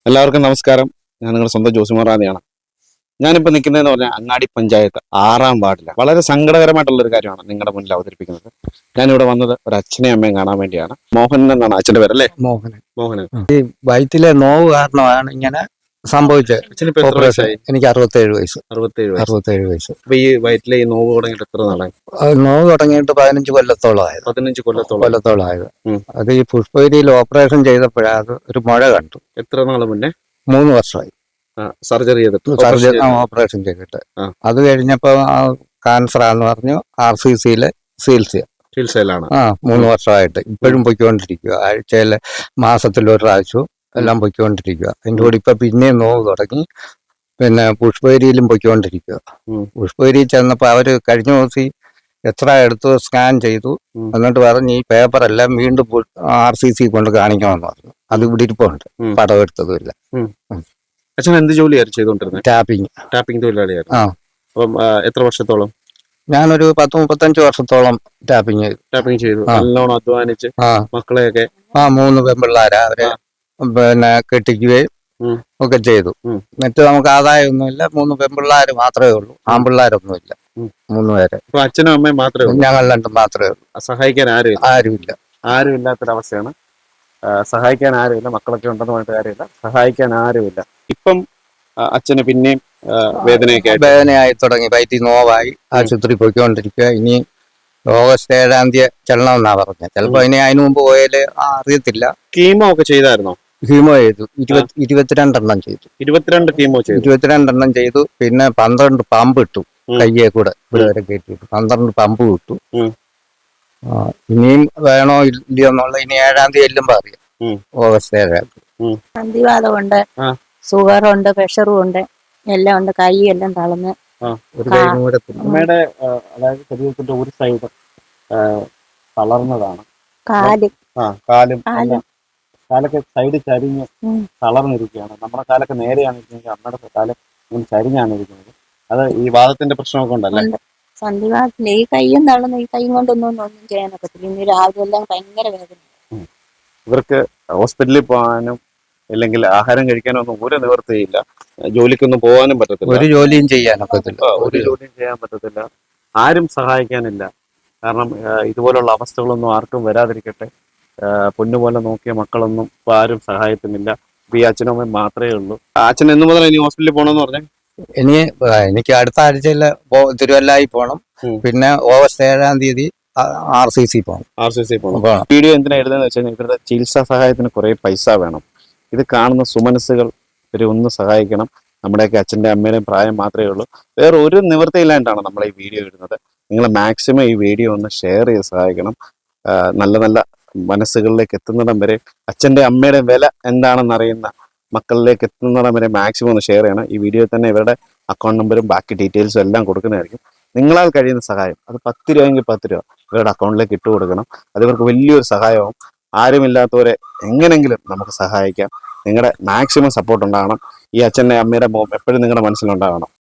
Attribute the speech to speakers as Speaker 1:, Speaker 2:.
Speaker 1: എല്ലാവർക്കും നമസ്കാരം. ഞാൻ നിങ്ങളുടെ സ്വന്തം ജോസിമറാണിയാണ്. ഞാനിപ്പോൾ നിൽക്കുന്നതെന്ന് പറഞ്ഞാൽ അങ്ങാടി പഞ്ചായത്ത് 6-ാം വാർഡിലാണ്. വളരെ സങ്കടകരമായിട്ടുള്ള ഒരു കാര്യമാണ് നിങ്ങളുടെ മുന്നിൽ അവതരിപ്പിക്കുന്നത്. ഞാനിവിടെ വന്നത് ഒരു അച്ഛനെയും അമ്മയും കാണാൻ വേണ്ടിയാണ്. മോഹൻ എന്നാണ് അച്ഛൻ്റെ പേരല്ലേ? മോഹനൻ.
Speaker 2: ഈ വയറ്റിലെ നോവ് കാരണമാണ് ഇങ്ങനെ സംഭവിച്ചത്.
Speaker 1: അച്ഛനിപ്പോൾ എത്ര വയസ്സായി?
Speaker 2: എനിക്ക് 67 വയസ്സ്.
Speaker 1: 67
Speaker 2: വയസ്സ്.
Speaker 1: അപ്പൊ ഈ വയറ്റിലെ ഈ നോവ് തുടങ്ങിയിട്ട് എത്ര നാളായി?
Speaker 2: നോവ് തുടങ്ങിയിട്ട് 15 കൊല്ലത്തോളമായത്.
Speaker 1: 15 കൊല്ലത്തോളമായത്.
Speaker 2: അത് ഈ പുഷ്പഗിരിയിൽ ഓപ്പറേഷൻ ചെയ്തപ്പോഴാണ് അത് ഒരു മുഴ കണ്ടു.
Speaker 1: എത്ര നാൾ മുന്നേ?
Speaker 2: 3 വർഷമായി
Speaker 1: സർജറി
Speaker 2: ഓപ്പറേഷൻ ചെയ്തിട്ട്. അത് കഴിഞ്ഞപ്പോ ക്യാൻസർ ആന്ന് പറഞ്ഞു RCCയിലെ ചികിത്സയിലാണ്. 3 വർഷമായിട്ട് ഇപ്പോഴും പൊയ്ക്കൊണ്ടിരിക്കുക. ആഴ്ചയിലെ മാസത്തിൽ ഒരു പ്രാവശ്യവും എല്ലാം പൊയ്ക്കൊണ്ടിരിക്കുക. അതിൻ്റെ കൂടെ ഇപ്പൊ പിന്നെയും നോവ് തുടങ്ങി. പിന്നെ പുഷ്പഗിരിയിലും പൊയ്ക്കൊണ്ടിരിക്കുക. പുഷ്പഗിരിയിൽ ചെന്നപ്പോ അവര് കഴിഞ്ഞ ദിവസം എത്ര എടുത്തു സ്കാൻ ചെയ്തു. എന്നിട്ട് പറഞ്ഞ് ഈ പേപ്പറെല്ലാം വീണ്ടും RCC കൊണ്ട് കാണിക്കണമെന്ന് പറഞ്ഞു. അത് ഇവിടെ ഇരിപ്പുണ്ട്, പടം എടുത്തതുമില്ല.
Speaker 1: അച്ഛൻ എന്ത് ജോലിയായിരുന്നു ചെയ്തോണ്ടിരുന്നത്? ടാപ്പിംഗ് തൊഴിലാളിയായിരുന്നു. അപ്പം എത്ര വർഷത്തോളം?
Speaker 2: ഞാനൊരു 10-35 വർഷത്തോളം ടാപ്പിംഗ്
Speaker 1: ചെയ്തു. നല്ലോണം അധ്വാനിച്ച് മക്കളെയൊക്കെ
Speaker 2: 3 പെൺപിള്ളാരാ, അവരെ പിന്നെ കെട്ടിക്കുകയും ഒക്കെ ചെയ്തു. മറ്റു നമുക്ക് ആദായമൊന്നുമില്ല. 3 പെൺപിള്ളാര് മാത്രമേ ഉള്ളൂ, ആൺപിള്ളാരൊന്നുമില്ല. 3 പേര്.
Speaker 1: അച്ഛനും അമ്മയും മാത്രമേ ഉള്ളൂ?
Speaker 2: ഞങ്ങൾ രണ്ടും മാത്രമേ ഉള്ളൂ.
Speaker 1: സഹായിക്കാൻ
Speaker 2: ആരുമില്ല.
Speaker 1: ആരുമില്ലാത്തൊരവസ്ഥയാണ്. സഹായിക്കാൻ ആരുമില്ല. മക്കളൊക്കെ ഉണ്ടെന്ന് പറഞ്ഞിട്ട് കാര്യമില്ല, സഹായിക്കാൻ ആരുമില്ല. ഇപ്പം അച്ഛന് പിന്നെയും
Speaker 2: വേദനയായി തുടങ്ങി. വയറ്റിൽ നോവായി ആശുപത്രി പോയിക്കൊണ്ടിരിക്കുക. ഇനി ഓഗസ്റ്റ് 7-ാം തീയതി ചെല്ലണമെന്നാ പറഞ്ഞത്. ചിലപ്പോ അതിന് മുമ്പ് പോയാല് അറിയത്തില്ല.
Speaker 1: കീമോ ഒക്കെ ചെയ്തായിരുന്നോ?
Speaker 2: കീമോ ചെയ്തു. 22 എണ്ണം ചെയ്തു.
Speaker 1: 22
Speaker 2: എണ്ണം ചെയ്തു. പിന്നെ 12 പമ്പ് ഇട്ടു കയ്യെ കൂടെ ഇവിടെ വരെ കയറ്റിട്ടു. 12 പമ്പ് ഇട്ടു. ഇനിയും വേണോ ഇല്ലയോ എന്നുള്ള ഇനി 7-ാം തീയതി ചെല്ലുമ്പോ അറിയാം. ഓഗസ്റ്റ് 7-ാം തീയതി.
Speaker 3: സന്ധിവാതമുണ്ട്, ഷുഗറുണ്ട്, പ്രഷറും ഉണ്ട്, എല്ലാം ഉണ്ട്. കൈ എല്ലാം തളർന്ന്
Speaker 1: അമ്മയുടെ അതായത് ശരീരത്തിന്റെ ഒരു സൈഡ് തളർന്നതാണ്. കാലൊക്കെ സൈഡ് ചരിഞ്ഞ് തളർന്നിരിക്കുകയാണ്. നമ്മുടെ കാലൊക്കെ നേരെയാണിരിക്കുന്നത്, അമ്മയുടെ കാലം ചരിഞ്ഞാണ് ഇരിക്കുന്നത്. അത് ഈ വാദത്തിന്റെ പ്രശ്നമൊക്കെ ഉണ്ടല്ലേ?
Speaker 3: സന്ധിവാദത്തിന്റെ ഈ കൈയും തളർന്ന്, ഈ കൈ കൊണ്ടൊന്നും ചെയ്യാനൊക്കത്തില്ല. ഇന്ന് രാവിലെ എല്ലാം ഭയങ്കര വേദന.
Speaker 1: ഇവർക്ക് ഹോസ്പിറ്റലിൽ പോകാനും അല്ലെങ്കിൽ ആഹാരം കഴിക്കാനോ ഒന്നും ഒരു നിവൃത്തിയില്ല. ജോലിക്കൊന്നും പോകാനും പറ്റത്തില്ല.
Speaker 2: ഒരു ജോലിയും ചെയ്യാനൊക്കത്തില്ല.
Speaker 1: ചെയ്യാൻ പറ്റത്തില്ല. ആരും സഹായിക്കാനില്ല. കാരണം ഇതുപോലുള്ള അവസ്ഥകളൊന്നും ആർക്കും വരാതിരിക്കട്ടെ. പൊന്നുപോലെ നോക്കിയ മക്കളൊന്നും ഇപ്പൊ ആരും സഹായത്തിനില്ല. ഇപ്പൊ ഈ അച്ഛനും അമ്മയും മാത്രമേ ഉള്ളൂ. അച്ഛൻ എന്ന് മുതൽ ഇനി ഹോസ്പിറ്റലിൽ പോകണമെന്ന് പറഞ്ഞേ?
Speaker 2: എനിക്ക് അടുത്ത ആഴ്ചയിൽ തിരുവല്ലായി പോകണം. പിന്നെ ഓഗസ്റ്റ് 7-ാം തീയതി RCC പോകണം.
Speaker 1: വീഡിയോ എന്തിനാ എഴുതുന്നത് വെച്ചാൽ ഇവരുടെ ചികിത്സാ സഹായത്തിന് കുറെ പൈസ വേണം. ഇത് കാണുന്ന സുമനസ്സുകൾ ഇവരെ ഒന്ന് സഹായിക്കണം. നമ്മുടെയൊക്കെ അച്ഛൻ്റെ അമ്മയുടെയും പ്രായം മാത്രമേ ഉള്ളൂ. വേറെ ഒരു നിവൃത്തിയില്ലാണ്ടാണ് നമ്മൾ ഈ വീഡിയോ ഇടുന്നത്. നിങ്ങൾ മാക്സിമം ഈ വീഡിയോ ഒന്ന് ഷെയർ ചെയ്ത് സഹായിക്കണം. നല്ല നല്ല മനസ്സുകളിലേക്ക് എത്തുന്നിടം വരെ, അച്ഛൻ്റെ അമ്മയുടെ വില എന്താണെന്ന് അറിയുന്ന മക്കളിലേക്ക് എത്തുന്നിടം വരെ മാക്സിമം ഒന്ന് ഷെയർ ചെയ്യണം. ഈ വീഡിയോയിൽ തന്നെ ഇവരുടെ അക്കൗണ്ട് നമ്പറും ബാക്കി ഡീറ്റെയിൽസും എല്ലാം കൊടുക്കുന്നതായിരിക്കും. നിങ്ങളാൽ കഴിയുന്ന സഹായം, അത് 10 രൂപയെങ്കിൽ 10 രൂപ ഇവരുടെ അക്കൗണ്ടിലേക്ക് ഇട്ട് കൊടുക്കണം. അത് ഇവർക്ക് വലിയൊരു സഹായമാവും. ആരുമില്ലാത്തവരെ എങ്ങനെങ്കിലും നമുക്ക് സഹായിക്കാം. നിങ്ങളുടെ മാക്സിമം സപ്പോർട്ട് ഉണ്ടാകണം. ഈ അച്ഛൻ്റെ അമ്മയുടെ മോം എപ്പോഴും നിങ്ങളുടെ മനസ്സിലുണ്ടാകണം.